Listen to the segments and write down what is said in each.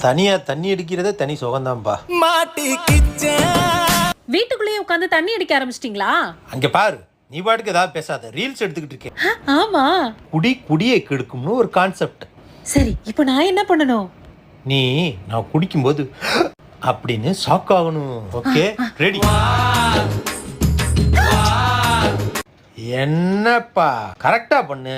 தனியா தண்ணி அடிக்கிறதே தனி சுகம்தான்பா. வீட்டுக்குள்ளேயே உட்காந்து தண்ணி அடிக்க ஆரம்பிச்சிட்டீங்களா? அங்க பாரு, நீ பாட்டுக்கு ஏதாவது பேசாத, ரீல்ஸ் எடுத்துக்கிட்டு இருக்கேன். ஆமா, குடியை கெடுக்கும்னு ஒரு கான்செப்ட். சரி, இப்போ நான் என்ன பண்ணணும்? நீ நான் குடிக்கும்போது அப்படின்னு ஷாக் ஆகணும். Okay, ready? என்னப்பா கரெக்டா பண்ணு.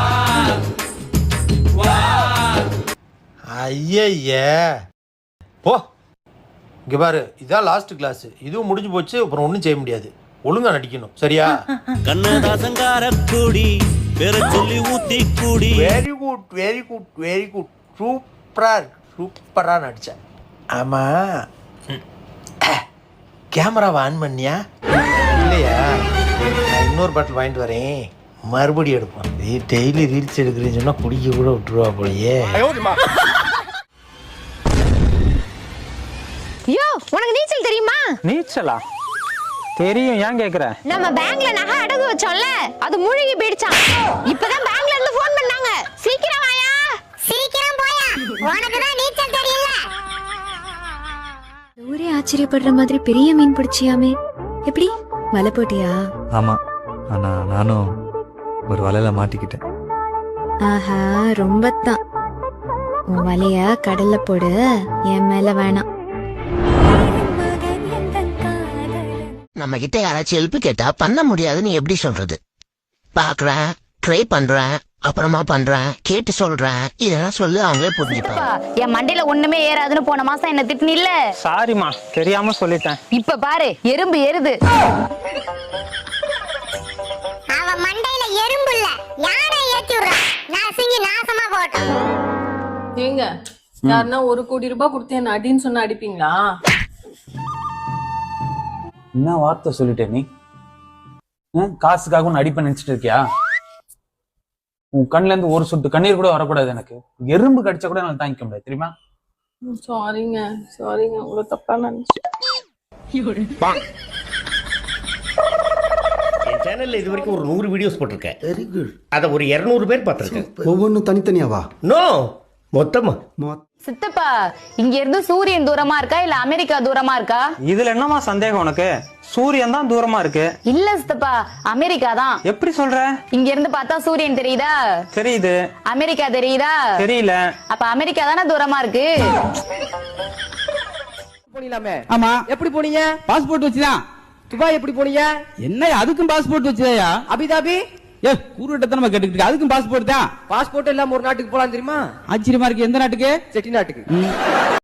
ஐய போ. இங்க பாரு, இதான் லாஸ்ட் கிளாஸ். இதுவும் முடிஞ்சு போச்சு, அப்புறம் ஒன்றும் செய்ய முடியாது. ஒழுங்கா நடிக்கணும், சரியா? Very good very good very good. சூப்பரா நடிச்சேன். ஆமா, கேமராவை ஆன் பண்ணியா இல்லையா? நான் இன்னொரு பாட்டில் வாங்கிட்டு வரேன், மறுபடியும் எடுப்போம். டெய்லி ரீல்ஸ் எடுக்கிறேன்னு சொன்னா குடிக்க கூட விட்டுருவா போலயே. யோ, உனக்கு நீச்சல் தெரியுமா? நீச்சலா? தெரியும், ஏன் கேக்குற? நம்ம பேங்க்ல நகை அடகு வச்சோம்ல, அது முழுகி போயிடுச்சாம். இப்பதான் பேங்க்ல இருந்து ஃபோன் பண்ணாங்க. சீக்கிரம் வாயா. சீக்கிரம் போயா, உனக்கு தான் நீச்சல் தெரியல. ஊரே ஆச்சரியப்படுற மாதிரி பெரிய மீன் பிடிச்சியாமே, எப்படி வலை போட்டியா? ஆமா, ஆனா நானும் ஒரு வலையில மாட்டிக்கிட்டேன். ஆஹா, ரொம்ப தான். உன் வலைய கடல்ல போடு, என் மேல வேணாம். நம்ம கிட்ட யாராச்சும் ஹெல்ப் கேட்டா பண்ண முடியாதுன்னு எப்படி சொல்றது? பாக்குறேன், ட்ரை பண்றேன், அப்புறமா பண்றேன், கேட்டு சொல்றேன், இதெல்லாம் சொல்லு, அவங்களே புரிஞ்சுப்பாங்க. என் மண்டையில ஒண்ணுமே ஏறாதுன்னு போன மாசம் என்ன திட்டுன இல்ல? சாரிமா, தெரியாம சொல்லிட்டேன். இப்ப பாரு, எறும்பு ஏறுது. அவ மண்டையில எறும்பு இல்ல, யாரை ஏத்தி விடுறா? நசுங்கி நாசமா போட்டோம். ஏங்க, யாருன்னா 1 கோடி ரூபாய் கொடுத்து என்ன அடின்னு சொன்னா அடிப்பீங்களா? என்ன வார்த்தை சொல்லிட்டே நீ? காசுக்காக உன்னை அடிப்ப நினைச்சிட்டு இருக்கியா? உன் கண்ணுல இருந்து ஒரு சொட்டு கண்ணீர் கூட வரக்கூடாது. எனக்கு எறும்பு கடிச்சா கூட என்னால தாங்கிக்க முடியாது, தெரியுமா? சாரிங்க, உங்களை தப்பா நினைச்சேன். என் சேனல்ல இது வரைக்கும் ஒரு 100 வீடியோஸ் போட்டிருக்கேன். Very good. அத ஒரு 200 பேர் பார்த்திருக்கேன். ஒவ்வொன்றும் தனித்தனியாவா? நோ, மொத்தமா. சித்தப்பா, இங்க இருந்து சூரியன் தூரமா இருக்கா இல்ல அமெரிக்கா தூரமா இருக்கா? இதுல என்னமா சந்தேகம் உனக்கு? சூரியன் தான் தூரமா இருக்கு. இல்ல சித்தப்பா, அமெரிக்கா தான். எப்படி சொல்ற? இங்க இருந்து பார்த்தா சூரியன் தெரியுதா? தெரியுது. அமெரிக்கா தெரியுதா? தெரியல. அப்ப அமெரிக்கா தானே தூரமா இருக்கு. போனீங்களாமே? ஆமா. எப்படி போனீங்க? பாஸ்போர்ட் வச்சுதான். துபாய் எப்படி போனீங்க? என்ன, அதுக்கும் பாஸ்போர்ட் வச்சுதாயா? அபிதாபி கூறுட்டத்தனமா கேட்டுக்கிட்டு, அதுக்கும் பாஸ்போர்ட் தான். பாஸ்போர்ட் இல்லாம ஒரு நாட்டுக்கு போலாம் தெரியுமா? ஆச்சரியமா இருக்கு. எந்த நாட்டுக்கு? செட்டி நாட்டுக்கு.